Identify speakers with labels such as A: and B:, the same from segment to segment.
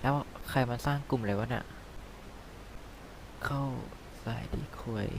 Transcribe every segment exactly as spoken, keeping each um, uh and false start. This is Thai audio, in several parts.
A: แล้วใครมาสร้างกลุ่มเลยวะเนี่ยเข้าสายดีคุย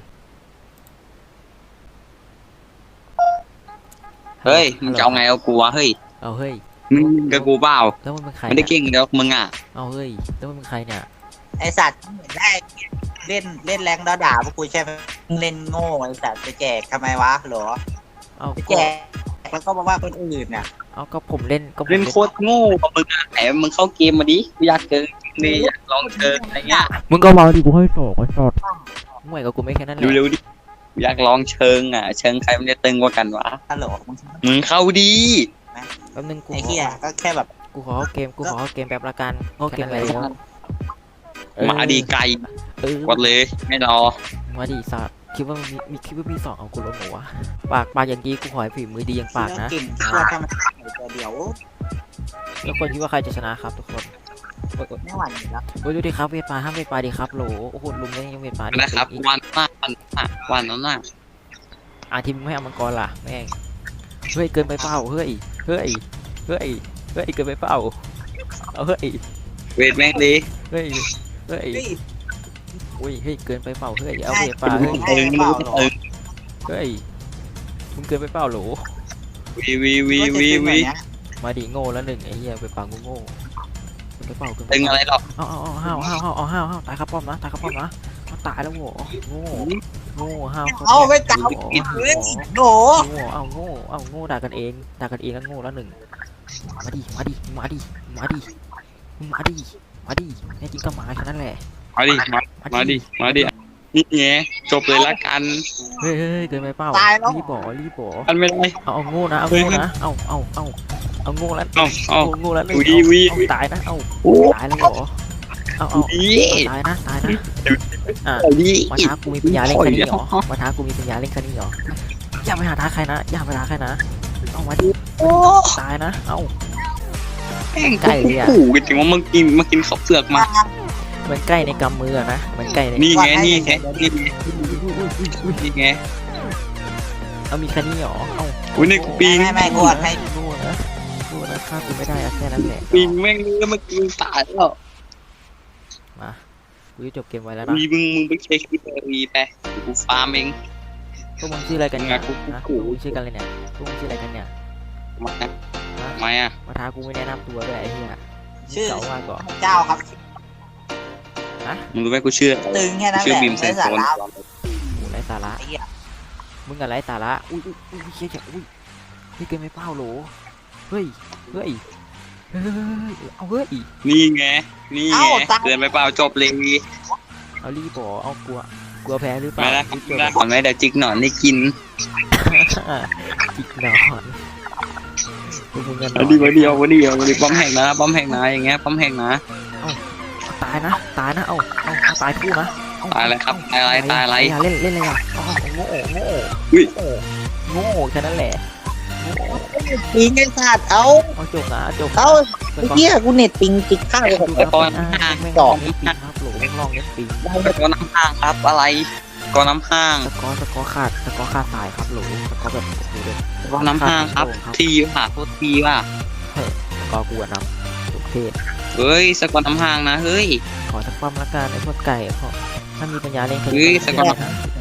B: เฮ้ยมึงจะเอาไงเอากูวะเฮ้ย
A: เอาเฮ้ย
B: มึงกับกูเปล่า
A: แล้วมันเป็นใคร
B: ไม่ได้เก่งเดี๋ยวมึงอ่ะ
A: เอาเฮ้ยแล้วมันเป็นใครเนี่ย
C: ไอสัตว์เหมือนแรกเล่นเล่นแรงด่าด่าพวกกูใช่ไหมเล่นโง่ไอสัตว์ไปแจกทำไมวะหรอ
A: เอา
C: ไปแจกแล้วก็มาว่าคนอื่นน่ะ
A: เอาก็ผมเล่นก็ผม
B: เล่นโคตรโง่กับมึงอ่ะไหนมึงเข้าเกมมาดิกูอยากเจอนี่อยากลองเจออะไรเงี้ย
A: มึงก็มาดิกูให้สองไอ้สอดมึงไหวกับกูไม่แค่นั้นแหละ
B: เร็วๆดิกูอยากลองเชิงอ่ะเชิงใครมันจะตึงกว่ากันวะ
C: ฮัลโหลมึง
B: มึงเข้าดี
A: แป๊บนึงกู
C: ไอเหี้ยก็แค่แบบ
A: กูขอเข้าเกมกูขอเข้าเกมแป๊บละกันเข้าเกมอะไรแล้ว
B: มาดีไกล
A: เออก
B: ดเลยไม่รอ
A: มาดิสัตว์คิดว่ามีมีคิดว่ามีสองเอากูลงหัวปากปากอย่างดีกูขอให้ฝีมือดีอย่างปากนะ
C: เก่งที่ว่าทำตัวเดียว
A: แล้วคนคิดว่าใครจะชนะครับทุกคน
C: ไม่หวั่นอยู่แล้ว
A: โอ้ยดูดิครับเวทปลาห้ามเวทปลาดิครับโหลโอ้โหลุมยังยังเวทปลาดิ
B: นะครับ
A: อีก
B: วันหน้าวันหน้าวันนั้นน่ะ
A: อ่ะทีมไม่เอามังกรล่ะแม่งเฮ้ยเกินไปเปล่าเฮ้ยเฮ้ยเฮ้ยเฮ้ยเกินไปเปล่าเอาเฮ้ย
B: เวทแม่งดี
A: เฮ้ยเฮ้ย
C: เฮ้ย
A: อุ้ยเฮ้ยเกินไปเปล่าเฮ้ยเอาเวทปลาเฮ้ย
C: ใช่เปล่าหรอ
A: เฮ้ยมึงเกินไปเปล่าโหล
B: วีวีวีวีวี
A: มาดิโง่แล้วหนึ่งไอ้เหี้ยไปปลากูโง่เกินไปเปล่าเกินไป
B: ตึง
A: เป
B: อะไร
A: ล่า
B: หรอก
A: เอาเอาเอาห้าวห้าวห้าวเอาห้าวห้าวตายครับป้อมนะตายครับป้อมนะเอาตายแล้วโว้โง่โง่ห้าว
C: เอาไม่กล่าวผิดเลยโห
A: โง่เอาโง่เอาโง่ด่ากันเองด่ากันเองแล้วโง่แล้วหนึ่งมาดิมาดิมาดิมาดิมาดิมาดิแน่จริงก็มาแค่นั้นแหละ
B: มาดิมามาดิมาดินี่ไงจบเลยละกัน
A: เฮ้ยเฮ้ยเกินไปเปล่ารีบบ่รีบบ่
B: กันไม่ได้
A: เอาเอาโง่นะเอาโง่นะเอาเอาเอาเอาโง่แล้ว
B: เอาเอา
A: โง่แล้วหนึ่ง
B: วีวี
A: เอาตายนะเอา
B: โอ้
A: ตายแล้วเหรอเอาเอา
B: ดี
A: ตายนะตายนะอ่ะ
B: ดี
A: มาท้ากูมีปัญญาเล่นแค่นี้เหรอมาท้ากูมีปัญญาเล่นแค่นี้เหรออย่าไปหาท้าใครนะอย่าไปท้าใครนะเอามาดิ
B: โอ้
A: ตายนะเอา
B: แม่งไก่เลยอ่ะขู่กันจริงว่ามึงกินมากินข้าวเปลือกมา
A: มันใกล้ในกำมืออะนะมันใกล้ใน
B: นี่ไงนี่ไงนี่ไงนี่ไง
A: เอามีแค่นี้เหรอเอา
B: อุ้ยนี่กูปิง
C: ไม่ไม่กดให้
A: โง่นะโง่นะฆ่ากูไม่ได้อะแค่นั้นแหละ
B: ปิงแม่งเนื้อมากินตายแล้ว
A: มากูจะจบเกมไว้แล้วนะ
B: วีมึงมึงไปเช็คที่เบอร์วีไปกูฟาร์มเอง
A: พวกมึงชื่ออะไรกันเนี่ย
B: กูกู
A: นะพ
B: กู
A: วกมึงชื่อกันเลยเนี่ยพวกมึงชื่ออะไรกันเนี่ย
B: มา
A: ฮะ
B: ทำไมอ่ะ
A: มาท้ากูไม่แนะนำตัวด้วยไอ้เหี้ย
C: ชื่อ
A: เก่ามากก่อน
C: เจ้าครับ
B: มึงรู้ไหมกูเชื่อ
C: ตึงแค่นั้นแห
B: ชื่อ
C: ละ
B: บีมเซ
C: ไม่
B: น
C: สา
B: โซน
C: ระ
A: โอ้ไรสาระ
C: ไอ้เหี้ย
A: มึงอะไรสาระอุ้ยอุ้ยอุ้ยเชี่ยอุ้ยเฮ้ยเกมไม่เป้าโหลเฮ้ยเฮ้ยเฮ้ยเอาเฮ้ย
B: นี่ไงนี่ไงเกินไปเปล่าจบเลย
A: เอารีบบ่เอากลัวกลัวแพ้หรือเป
B: ไม่
A: ล่า
B: ได้ไม่ได้ก่อนไหมเดี๋ยวจิกหนอนได้กิน
A: จิกนอนพวกมึงกันนอ
B: มาน ดีมาดีเอามาดีเอามาดีป้อมแหกนะป้อมแหกนะอย่างเงี้ยป้อมแหกนะ
A: ตายนะตายนะเอาเอาเอาตายคู่นะเอ
B: ตายอะไรครับตายอะไรตายอะไร
A: อย่าเล่นเล่นอะไรอ่ะเอาเอาโง่โง่
B: อุ้ย
A: โง่แค่นั้นแหละโง่
C: ปิงไอ้สัตว์เอา
A: เอาจบนะจบ
C: เอาไอ้เหี้ยกูเน็ตปิงติดข้าวผม
B: แต่ก่อน
A: สองนี่ปีครับโหลลองเล่นปี
B: ก็น้ำห้างครับอะไรก็น้ำห้าง
A: สกอร์สกอร์ขาดสกอร์ขาดสายครับโหลสกอร์แบบโอ้โหเลย
B: ก็น้ำห้างครับทีว่ะโทษทีว่ะ
A: สกอร์กูอะนำทุกเพศ
B: เฮ้ยสกอร์น้ำห้างนะเฮ้ย
A: ขอสักความละกันไอ้พวกไก่ขอถ้ามีปัญญาเล่น
B: เฮ้ยสกอร์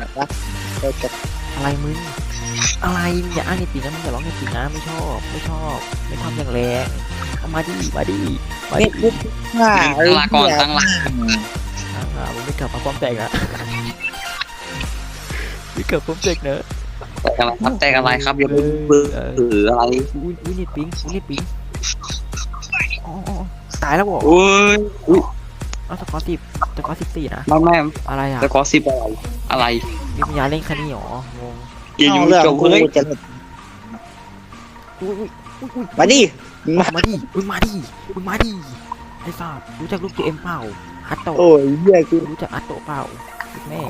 A: อะไรมึงอะไรมึงอย่าอ้างในปีนะมึงอย่าร้องในปีนะไม่ชอบไม่ชอบไม่ชอบอย่างแรงเอามาดิมาดิมาดิ
C: ง่า
B: ตั้งหลักก่อนตั้งหลัก
A: อ่ามึงไม่กลับมาป้อมแตกนะไม่กลับป้อมแตกเนอะ
B: แต่อะไรครับแต่อะไรครับอย่าไปเบื่อหรืออะไร
A: อุ้ยอุ้ยนิดปิงอุ้ยนิดปิงอ๋อตายแล้วบ่
B: โอ้ยอุ้ย
A: เอาสกอร์สิบสกอร์สิบสี่นะ
B: แม่แม่
A: อะไรอ่ะ
B: สกอร์สิบอะไรอะไร
A: มีปัญญาเล่นแค่นี้หรองง
B: อย่าอยู่
C: เรื่อง
B: จบ
C: กู
B: เลย
C: จะ
A: อุ้ยอุ้ยอุ้ยอุ้ย
C: มาดิ
A: มามาดิมึงมาดิมึงมาดิไอ้สัสรู้จักลูกเจเอ็มเปล่าฮัตโตะ
C: โอ้ยเหี้ยกู
A: รู้จักฮัตโตะเปล่าแม่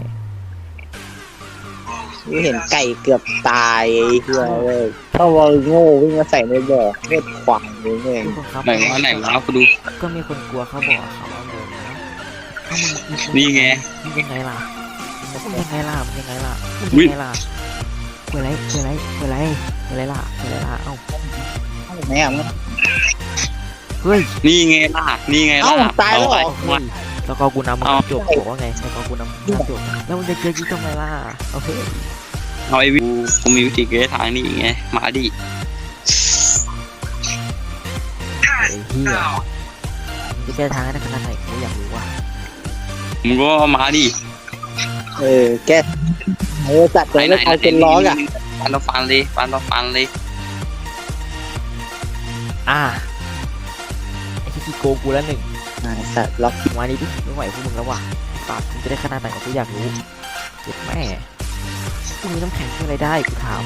C: กูเห็นไก่เกือบตายไอ้เหี้ยเลยถ้าว่าโง่วิ่งมาใส่ในบ่อเม็ดขวางเลยแม่ง
A: ทุกคนครับ
B: ไหนวะไหนวะกูดู
A: ก็มีคนกลัวเขาบอกเขาเอาเลยนะถ้ามึงมึง
B: นี่ไง
A: มึงยังไงล่ะมึงยังไงล่ะมึงยังไงล่ะมึง
B: อุ๊ย
A: ยังไงล่ะเปิดไรเปิดไรเปิดไรเปิดไรล่ะเปิดไรล่ะเอ้า
C: แม่ง
A: เเฮ้ย
B: นี่ไงล่ะนี่ไงล่ะ
C: เอ้าตายแล้วเหรอ
B: เอาไป
A: เฮ้ยสกอร์กูนำมึง
B: เอา
A: จบบอกว่าไงสกอร์กูนำมึงจบแล้วมึงจะเจอกูทำไมล่ะโอเค
B: เอาไอ้วิกูกูมีวิธีแก้ทางนี่ไงมาดิ
A: ไอ้เหี้ยมึงจะแก้ทางให้ได้ขนาดไหนกูอยากรู้ว่ะ
B: มึงก็มาดิ
C: เออแกเออจัดเลยไม่เอาเป็นร้องอ่ะ
B: ฟันต่อฟันเลยฟันต่อฟันเลย
A: อ่าไอ้ที่ขี้โกงกูแล้วหนึ่ง
C: อ่าสัตว์ล็อก
A: มานี้ดิไม่ไหวพวกมึงแล้วว่ะปากมึงจะได้ขนาดไหนกูอยากรู้เจ็บแม่กูมีน้ำแข็งช่วยอะไรได้กูถาม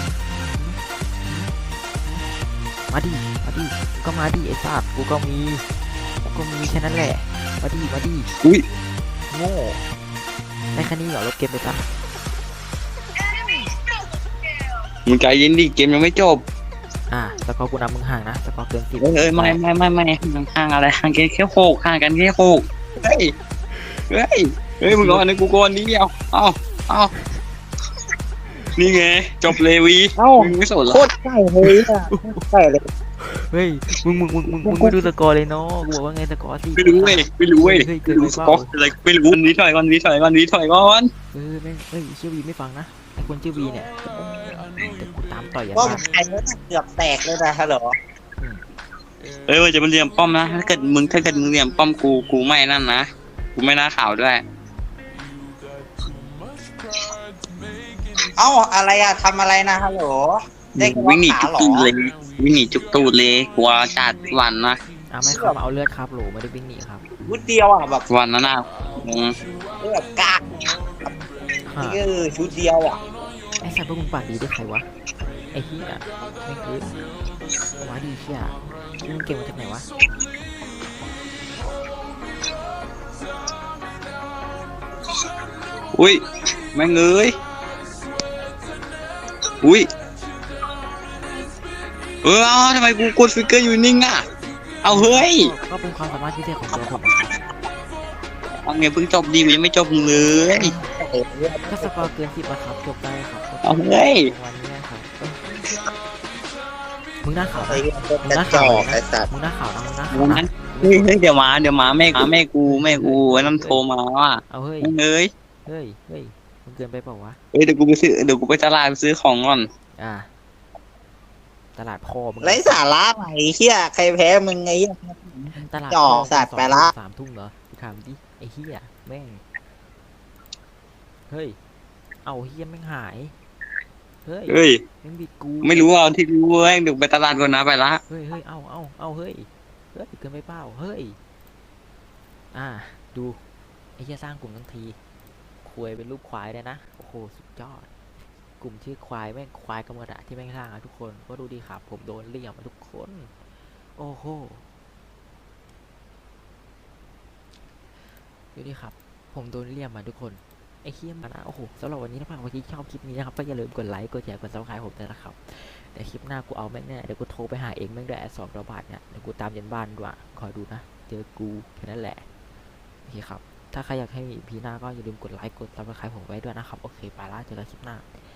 A: มาดิมาดิกูก็มาดิไอ้สัตว์กูก็มีกูก็มีแค่นั้นแหละมาดิมาดิ
B: อุ้ย
A: โง่ได้แค่นี้เหรอลบเกมไปซะ
B: มึงใจเย็นดิเกมยังไม่จบ
A: อ่าสกอร์กูนำมึงห่างนะสกอร์เกินสิบ
B: เอ้ยเอ้ยไม่ไม่ไม่ไม่ห่างอะไรห่างกันแค่หกห่างกันแค่หกเฮ้ยเฮ้ยเฮ้ยมึงรอนะกูก่อนนิดเดียวเอาเอานี่ไงจบเลยวี
C: เอ้า
B: มึงไม่สนละ
C: โคตรใกล้เลยอ่ะใกล้เลย
A: เฮ้ยมึงมึงมึงมึงมึงไม่ดูสกอร์เลยเนาะกูบอกว่าไงสกอร์สิ
B: ไม่รู้เว้ยไม่รู้เว้ย
A: เฮ้ยเกิน
B: ดู
A: ไป
B: ส
A: เป
B: กอ
A: ล่า
B: ร์อะไรไม่รู้วีถอยก่อนวีถอยก่อนวีถอยก่อน
A: เออแม่งเฮ้ยชื่อวีไม่ฟังนะไอ้คนชื่อวีเนี่ยเดี๋ยวกูตามต่อยยัน
C: ว่า
A: บ้าน
C: ใครเนี่ยเกือบแตกเลยนะฮัลโหล
B: เอ้ยมันจะมันเหลี่ยมป้อมนะถ้าเกิดมึงถ้าเกิดมึงเหลี่ยมป้อมกูกูไม่นั่นนะกูไม่น่าข่าวด้วย
C: เอ้าอะไรอ่ะทำอะไรนะฮัลโหลได้แค่
B: วิ่งหนี
C: ขา
B: จุก
C: เหรอ
B: ตูดเลยวิ่งหนีจุกตูดเลยกลัวจัดวันนะ
A: อ่ะไม่ครับมาเอาเลือดครับโหลไม่ได้วิ่งหนีครับ
C: วุดเดียวอ่ะแบบ
B: วันนั้นน่ะอืม
C: แบบกาก
A: ฮะ
C: เออชุดเดียวอ่ะ
A: ไอ้สัตว์พวกมึงปากดีได้ใครวะไอ้เหี้ยไม่งเกินว้าดีเชี่ยนี่มึงเก่งมาจากไหนวะ
B: อุ้ยแม่งเอ้ยอุ้ยเออเอาทำไมกูกดฟิกเกอร์อยู่นิ่งอ่ะเอาเฮ้ย
A: ก็เป็นความสามารถพิเศษของตัวผมนะครับ
B: เอาไงเพิ่งจบดีกูยังไม่จบเลย
A: ก็สกอร์เกินสิบอะครับจบได้ครับ
B: เอาเฮ้ย
A: วันนี้นะครับเอ้ยมึงหน้าขาว
C: ไอ้
A: นะ
C: กระจอกไอ้สัตว์
A: มึงหน้าขาวนะมึงหน้าขาว
B: วัน
A: นะ
B: นั้นเฮ้ยเฮ้ยเดี๋ยวมาเดี๋ยวมาแม่มาแม่กูแม่กูไอ้นั่นโทรมาว่า
A: เอาเฮ้ย
B: แม่งเอ้ย
A: เฮ้ยเฮ้ยมึงเกินไปเปล่าวะ
B: เฮ้ยเดี๋ยวกูไปซื้อเดี๋ยวกูไปตลาดไปซื้อของก่อน
A: อ่าตลาดพ่อมึง
C: ไร้สาระไหนเฮียใครแพ้มึงไงเหี้ย
A: ตลาด
C: จ่อ
A: พ่
C: สัตว์ไปละ
A: สามทุ่มเหรอกูถามดิไอ้เหี้ยแม่งเฮ้ยเอาเหี้ยแม่งหายเฮ้ย
B: เฮ้ย
A: แม่งบิดกู
B: ไม่รู้เอาที่รู้เว้ยเดี๋ยวไปตลาดก่อนนะไปละ
A: เฮ้ยเฮ้ยเอาเอาเอาเฮ้ยเฮ้ยเกินไปเปล่าเฮ้ยอ่าดูไอ้เหี้ยสร้างกลุ่มทั้งทีควายเป็นรูปควายได้นะโอ้โหสุดยอดกลุ่มชื่อควายแม่งควายกำมะดะที่แม่งสร้างอะทุกคนก็ดูดีครับผมโดนเลี่ยมอะทุกคนโอ้โหดูดิครับผมโดนเลี่ยมมาทุกคนไอ้เหี้ยมันนะโอ้โหสำหรับวันนี้ถ้าใครที่ชอบคลิปนี้นะครับก็อย่าลืมกดไลค์กดแชร์กดซับสไครต์ผมด้วยนะครับแต่คลิปหน้ากูเอาแม่งแน่เดี๋ยวกูโทรไปหาเองแม่งด้วยแอดสองร้อยบาทเนี่ยเดี๋ยวกูตามยันบ้านด้วยคอยดูนะเจอกูแค่นั้นแหละโอเคครับถ้าใครอยากให้มีพีหน้าก็อย่าลืมกดไลค์กดซับสไครต์ผมไว้ด้วยนะครับโอเคไปละเจอกันคลิปหน้า